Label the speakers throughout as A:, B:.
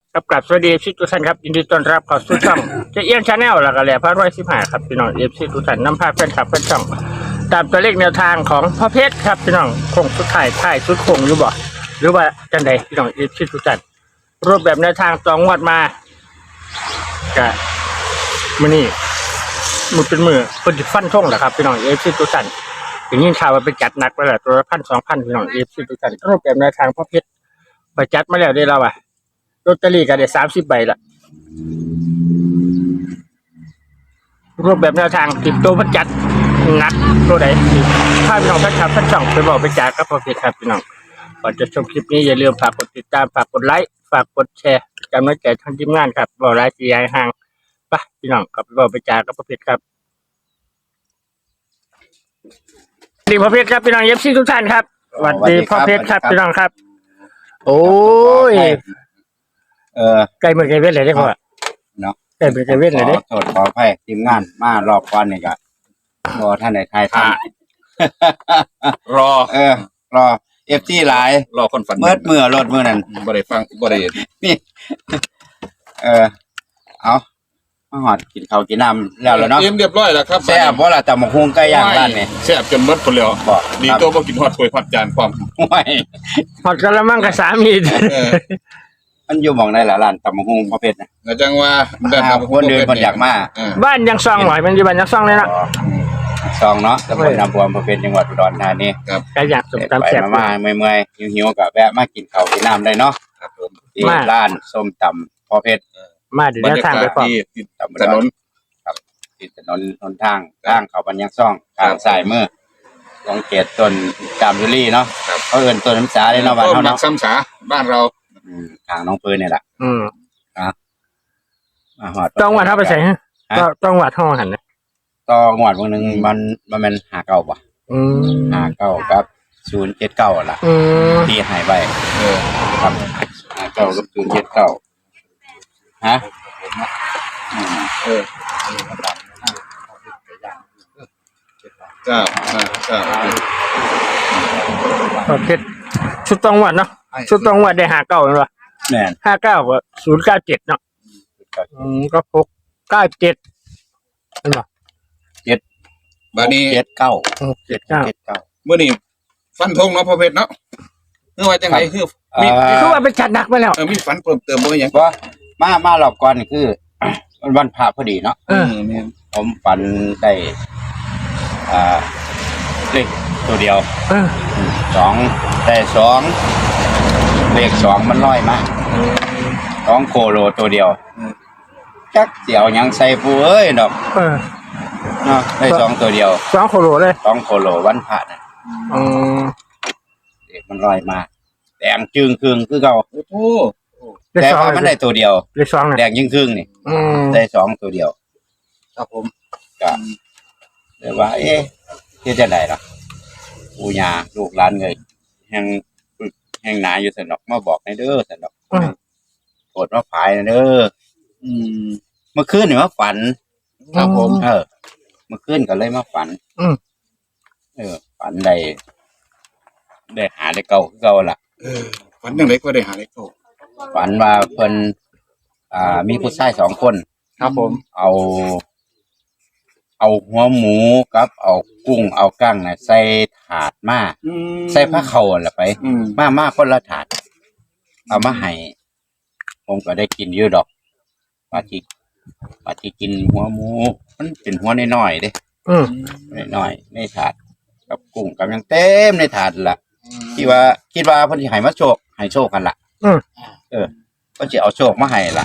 A: กับสวัสดีทุกท่านครับยินดีต้อนรับเข้าสู่ช่องเจะเอี้ยนชาแนลแล้วก็แหล่พระร้อย15ครับพี่น้องทุกท่านนำพาแฟนคลับแฟนช่องตามตัวเลขแนวทางของพ่อเพชรครับพี่น้องคงสุดท้ายสุดคงอยู่บ่หรือว่าจังใดพี่น้องทุกท่านรูปแบบแนวทางตองวดมากะมื้อนี้มือเป็นมือเพิ่นสิฟันธงแหละครับพี่น้องทุกท่านอย่างนี้ข่าวว่าไปจัดหนักไปแล้วตัวละ 1,000-2,000 พี่น้องทุกท่านรูปแบบแนวทางพ่อเพชรไปจัดมาแล้วได้แล้วอ่ะลอตเตอรี่ก็ได้30 ใบละรูปแบบแนวทางติดตัวพันจัดหนักตัวไหนถ้าพี่น้องท่านครับท่านช่องไปบอกไปจ่ายก็พอเพียงครับพี่น้องก่อนจะชมคลิปนี้อย่าลืมฝากกดติดตามฝากกดไลค์ฝากกดแชร์จำไว้แก่ทางทีมงานครับบอกไลค์สีห่างไปพี่น้องกลับไปบอกไปจ่ายก็พอเพียงครับสวัสดีพ่อเพชรครับพี่น้องทุกท่านครับสวัสดีพ่อเพชรครับพี่น้องครับโอ้ยไกลเมื่อไกลเวทเลยได้พ่อ
B: เนาะ
A: ไกลเมื่อไกลเวทเลยได้
B: โทษขออภัยทีมงานมารอบก่อนนี่ก็รอท่านในไทยท่าน
C: รอ
B: รอFT หลาย
C: รอคนฝัน
B: เมื่อรถมื้อนั้น
C: บ่ได้ฟังบ่ได้
B: นี่เอามาหอดกินข้าวกินน้ำแล้วเนาะ
C: เตรียมเรียบร้อยแล้วครับ
B: แซ่บบ่ล่ะตำบักหุ่งไก่ย่างร้านนี่
C: แซ่บจนหมดพุ่นแล้วดีตัวบ่กินฮอดถ้วยฮอดจานพร้อม
B: โอ้ย
A: ฮอดกะละมังกับสามี
B: มันอยู่หม่องใดล่ะร้านตำบักหุ่งประเภทน่ะ
C: จังว่า
B: คนเดินคนอยากมา
A: บ้านยังซองหน่อยมันอยู่บ้านยังซองเลยเนาะ
B: ซองเนาะตำบลน้ำบวมประเภทจังหวัดอุดรธานี
C: ครับ
A: ก็อยากสมตำแซ่บ
B: มาเมื่อยๆหิวๆก็แวะมากินข้าวกินน้ำได้เนาะ
C: ครับผม
B: ที่ร้านส้มตำพ่อเพชร
A: มาเดี๋ยวทางไปพร้อม
C: ที่ถนน
B: ครับติดถนนหนทางเขาบันยังซ่องทางสายมือของเขตต้นจามยุรีเนาะเขาเอิ้นต้นน้ำสาเลยเนาะบ้านเฮาเนาะ
C: ซ้ำสาบ้านเรา
B: ทางน้องปืนนี่แหละฮอด
A: ต้องวัดเฮาไปใส่ฮะต้องวัดเฮาหั่นนะ
B: ต่องวดวันนึงมันแม่น59บ่59กับ079ล่ะที่หายไปครับ59กับ079ฮะ
C: จ้า
A: โอเคชุดต้องวัดเนาะชุดต้องวัดได้59แม่นบ่
B: แม่น
A: 59กับ097เนาะก็697เห็นบ่
C: บัดนี้
B: 79
C: มื้อนี้ฟันธงเนาะพ่อเพชรเนาะคือว่าจังได๋
A: คือว่าไปจัดหนักไปแล้ว
C: มีฝันเพิ่มเติมบ่หยัง
B: บ่มารอบก่อนคือมันวันพระพอดีเนาะผมฝันได้เลขตัวเดียว2ได้2เลข2มันลอยมา2โคโลตัวเดียวจักสิเอาหยังใส่ผู้เอ้ยดอกเนาะได้2ตัวเดียว
A: 2โคโลเลย
B: 2โคโลวันพระน่ะเลขมันลอยมาแดงจึงครึ่งคือเก่า
C: โอ้โห
B: แต่ว่ามันได้ตัวเดียว
A: เลข2น่ะ
B: แดงยิ่งครึ่งนี่ได้2ตัวเดียว
C: ครับผม
B: ก็เลยว่าเฮ็ดจังได๋ล่ะปู่ย่าลูกหลานเอ้ยแห่งหนาอยู่ซั่นดอกมาบอกให้เด้อซั่นดอกโปรดมาผายเด้อเมื่อคืนนี่มาฝัน
C: ครับผม
B: เมื่อคืนก็เลยมาฝันฝันได้หาได้เก่าคือเก่าล่ะ
C: ฝันจังได๋ก็ได้หาได้เก่า
B: ฝันว่าเพิ่นมีผู้ชาย2คน
C: ครับผม
B: เอาหัวหมูกับเอากุ้งเอากั้งน่ะใส่ถาดมาใส่ผ้าเข่าล่ะไปมาคนละถาดเอามาให้ผมก็ได้กินอยู่ดอกว่าที่กินหัวหมูมันเป็นหัวน้อยๆเด้น้อยๆในถาดกับกุ้งกับยังเต็มในถาดล่ะคิดว่าเพิ่นสิให้มาโชคกันล่ะเพิ่นสิเอาโชคมาให้ล่ะ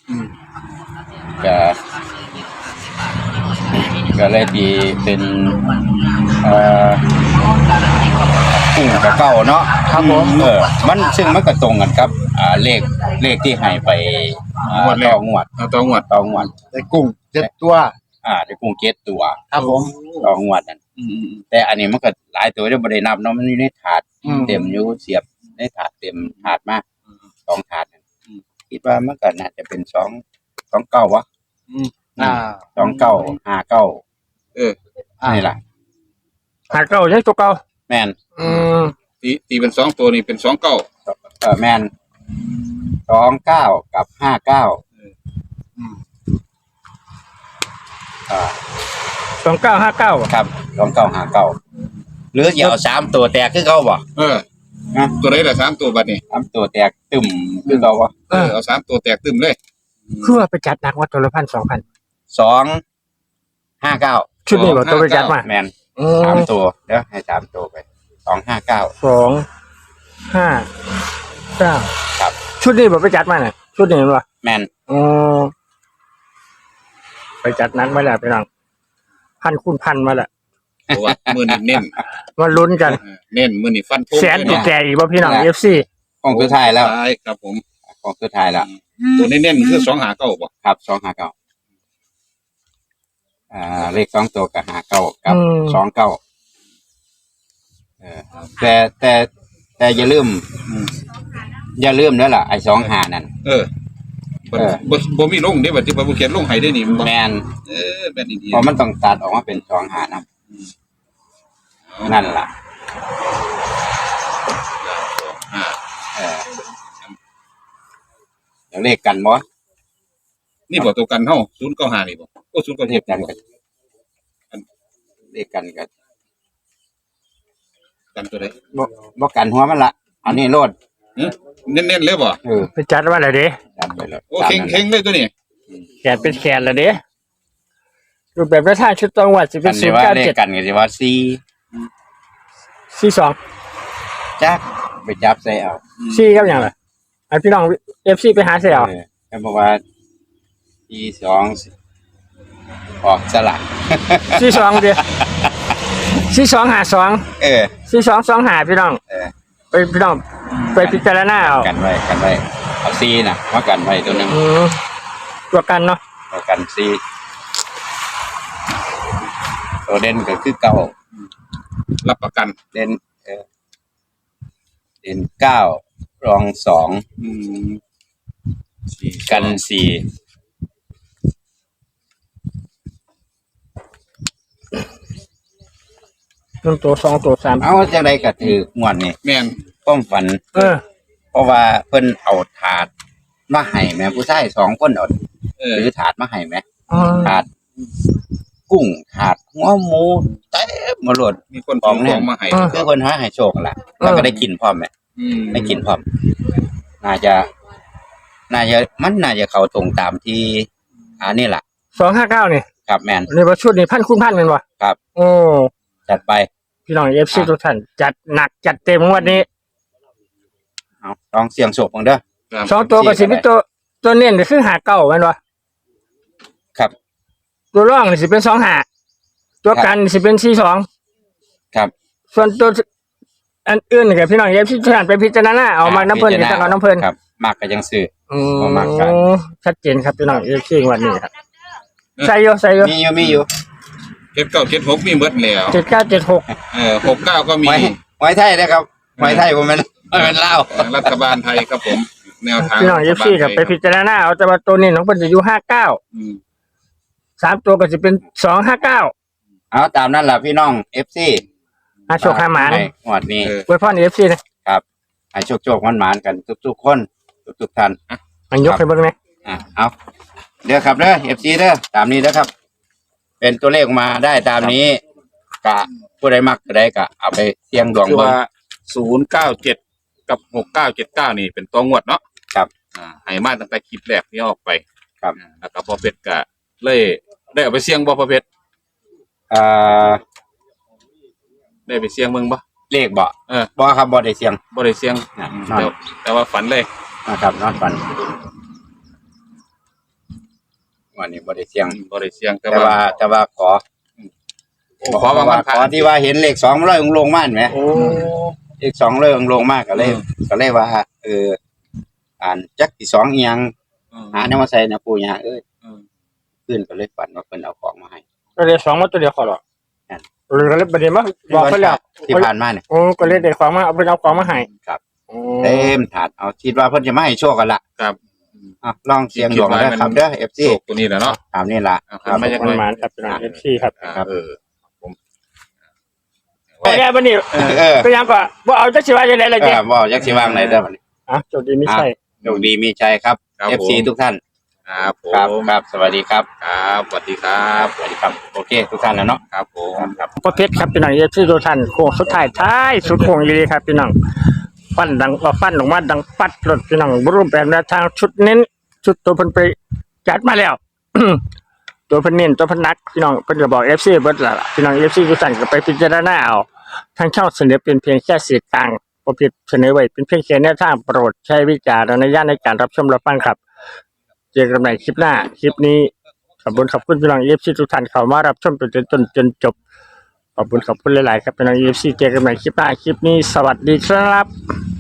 B: ก็เลยดีเป็นกุ้งกับเก้าเนาะ
A: ครับผม
B: มันซึ่งมันก็ตรงกันครับเลขที่ให้ไปต่องวด
C: ได้กุ้ง7ตัว
B: ได้กุ้ง7ตัว
C: ครับผม
B: ต่องวดนั่นแต่อันนี้มันก็หลายตัวได้บ่ได้นับเนาะมันอยู่ในถาดเต็มอยู่เสียบในถาดเต็มถาดมา2ถาดคิดว่ามันก็น่าจะเป็น2 9วะ29 59นี่ล่ะ
A: 59ยังตัวเก่า
B: แม่น
C: ตีเป็น2ตัวนี่เป็น29
B: แม่น 29กับ59
A: 2959
B: ครับ2959หรืออย่าเอา3ตัวแตกคือเขาบ่ นะ
C: ตัวไหนล่ะ3ตัวบัดนี้
B: 3ตัวแตกตึมคือเขาบ่
C: เอา3ตัวแตกตึมเลย
A: คือว่าไปจัดหนักว่าตัวละ1,000 2,000
B: 259
A: ชุดนี้บ่ตัวไปจัดมา
B: แม่น3ตัวเดี๋ยวให้3ตัวไป259
A: 259
B: ครับ
A: ชุดนี้บ่ไปจัดมาน่ะชุดนี้บ่
B: แม่น
A: ไปจัดหนักมาแล้วพี่น้องพันคูณพันมาแล้ว
C: เพราะว่ามื้อนี้เน้น
A: มาลุ้นกัน
C: เน้นมื้อนี้ฟันธง
A: แสนติดแจอีกบ่พี่น้อง FC
B: ของสุดท้ายแล้ว
C: ใช่ครับผม
B: ของสุดท้ายแล้ว
C: ตัวเน้นๆคือ259บ่
B: ครับ259เลข2ตัวกับ59กับ29แต่อย่าลืมเด้อล่ะไอ้25นั่น
C: บ่มีลงเด้บัดที่บ่เขียนลงให้ได้นี่มันบ่
B: แม่น
C: แม่นดี
B: เพราะมันต้องตัดออกมาเป็น25นำนั่นล่ะเดี๋ยวเลขกันบ่
C: นี่บ่ตัวกันเฮา095นี่บ่โอ้097
B: เลขกันกันเลขกันกัน
C: กันตัวใด
B: บ่กันหัวมันละอันนี้โลด
C: เน้นๆเลยบ่
A: ไปจัดมาแล้วเด้
B: จัดไปแล้ว
C: โอ้เข่งๆเลยตัวนี้
A: แขนเป็นแขนแล้วเด้รูปแบบกระทางชุดตองวัดสิเป็
B: กัน นสิว่าเลข
A: 097
B: กันก็สิว่า
A: 42
B: จักไปจับใส่เอา
A: 4กับหยังล่ะให้พี่น้อง FC ไปหาเสียเอา
B: ก็บอกว่า42ออกสลัก
A: 42เด้4252 4225พี่น้องไปพี่น้องไปพิจารณาเอา
B: กันไว้เอาซีน่ะมากันไว้ตัวหนึง
A: ตัวกันเนาะ
B: เอากันซีตัวเด่นก็คือเก้า
C: รับประกัน
B: เด่นเด่น9รอง2กัน4
A: 1ตัว2ตัว3
B: เอาจังไดก็ถืองวดนี่
C: แม่น
B: ความฝันเพราะว่าเพิ่นเอาถาดมาให้แม่ผู้ชาย2คนเอาหรือถาดมาให้แม่ถาดกุ้งถาดหัวหมูเต็มหมดเลย
C: มีคนของมาให้
B: คือเพิ่นหาให้โชคล่ะแล้วก็ได้กินพร้อมแม่ได้กินพร้อมน่าจะมันน่าจะเข้าตรงตามที่อันนี้ล่ะ
A: 259นี่
B: ครับแม่น
A: นี่บ่ชุดนี่พันคูณพันแม่นบ่
B: ครับ
A: โอ้
B: จัดไป
A: พี่น้อง FC ทุกท่านจัดหนักจัดเต็มงวดนี้
B: เอาลองเสี่ยงโชคเบิ่งเด้อ
A: 2ตัวก็สิมีตัวเน้นก็คือ59แม่นบ่
B: ครับ
A: ตัวรองนี่สิเป็น25ตัวกันนี่สิเป็น42
B: ครับ
A: ส่วนตัวอันอื่นนี่ก็พี่น้อง FC ทุกท่านไปพิจารณาเอามาน้ำเพิ่นนี่ต้องเอาน้ำเพิ่น
B: ครับมากก็จังซื้อ
A: บ่
B: มักกัน
A: ชัดเจนครับพี่น้อง FC งวดนี้ครับใส่อยู่
B: มีอยู่
C: 7976มีหมดแล้ว
A: 7976
C: 69ก็มี
B: ไว้ไทยนะครับไว้ไทยบ่แม่นลาว
C: รัฐบาลไทยครับผมแนวทาง
A: พี่น้อง FC ก็ไปพิจารณาเอาแต่ว่าตัวนี้ของเพิ่นจะอยู่59 3ตัวก็สิเป็น259
B: เอาตามนั้นล่ะพี่น้อง FC
A: อาโชคหาหมาน
B: ให้งวดนี้
A: อวยพร FC นะครับ
B: ให้โชคๆหวานๆกันทุกๆคนทุกๆท่าน
A: อันยกให้เบิ่งแหน่
B: เอาเด้อครับเด้อ FC เด้อตามนี้เด้อครับ เป็นตัวเลขมาได้ตามนี้กะผู้ใดมักก็ได้ก็เอาไปเสี่ยงดวง
C: คือ
B: เบิ่ง
C: ว่า097กับ6979นี่เป็นตัวงวดเนาะ
B: ครับ
C: ให้มาตั้งแต่คลิปแรกที่ออกไป
B: ครับ
C: แล้วก็พอเพชรก็เลยได้เอาไปเสี่ยงบ่พอเพชร
B: อ่า
C: ได้ไปเสี่ยงเบิ่งบ่
B: เลขบ่ บ่ครับบ่ได้เสี่ยง
C: บ่ได้เสี่ยง แต่ว่าฝันเลย
B: นะครับนอนฝันวันนี้บ่ได้เสี่ยง
C: บ่ได้เสี่ยงแต่
B: แต่ว่าขอ
C: ขอบางวัน
B: ขอที่ว่าเห็นเลข2ร้อยองค์ลงมาเห็นไหม
C: โอ้
B: เลข2ร้อยองค์ลงมาก็เลยว่าอ่านจักที่2อีหยังหาแนวมาใส่นะปู่ย่าเอ้ยขึ้นก็เลยฝันว่าเพิ่นเอาของมาให้
A: ก็เลย2มาตัวเดียวขอหรอกเลยก็เลยบัดนี้มาบอกเพิ่นแล้ว
B: ที่ผ่านมาเนี่ย
A: โอ้ก็เลยได้ของมาเอาของมาให้
B: ครับ
A: โอ้
B: เต็มถาดเอาคิดว่าเพิ่นจะมาให้โชคกันล่ะ
C: ครับ
B: ลองเสี่ยงดวงเด้อครับเด้อ FC
C: โชคตัวนี้แหละเนาะ
B: ตามนี้ล่ะ
C: ครับมาจากไหน
A: หมานครับพี่น้อง FC ครับ
C: ผม
A: โอ้ยบัดนี้ก็ยังก็บ่เอาจักสิว่าจังได๋ล่ะเจ้
B: บ่จักสิวางไหนเด้อบัดนี้
A: โจทย์ดีไม่ใช่
B: โชคดีมีชัยครับ
C: ครับ
B: FC ทุกท่าน
C: ครับผ
B: ครับ
C: ม
B: ครับสวัสดีครับ
C: ครับสวัสดีครับ
B: สวัสดีครับโอเคทุกท่านแล้วเนาะ
C: ครับผม
B: ครับ
A: พ่อเพชรครับพี่น้องที่ทุกท่านโค้งสุดท้ายท้ายสุดโค้งดีครับพี่น้องฟันดังฟันออกมาดังปัดรถพี่น้องบรูปแบบแนวทางชุดเน้นชุดตัวเพิ่นไปจัดมาแล้ว ตัวเพิ่นเน้นตัวเพิ่นนักพี่น้องเพิ่นก็บอก FC เบิดล่ะพี่น้อง FC ทุกท่านก็ไปพิจารณาเอาทางช่องเสนอเป็นเพียงแค่สื่อกลางพ่อเพชรเสนอไว้เป็นเพียงแค่แนวทางโปรดใช้วิจารณญาณในการรับชมรับฟังครับเจอกันใหม่คลิปหน้าคลิปนี้ขอบคุณพี่น้อง FC ทุกท่านเข้ามารับชมจนจบ ขอบคุณหลาย ๆ ครับเป็นน้อง UFC เจอกันใหม่คลิปหน้าคลิปนี้สวัสดีครับ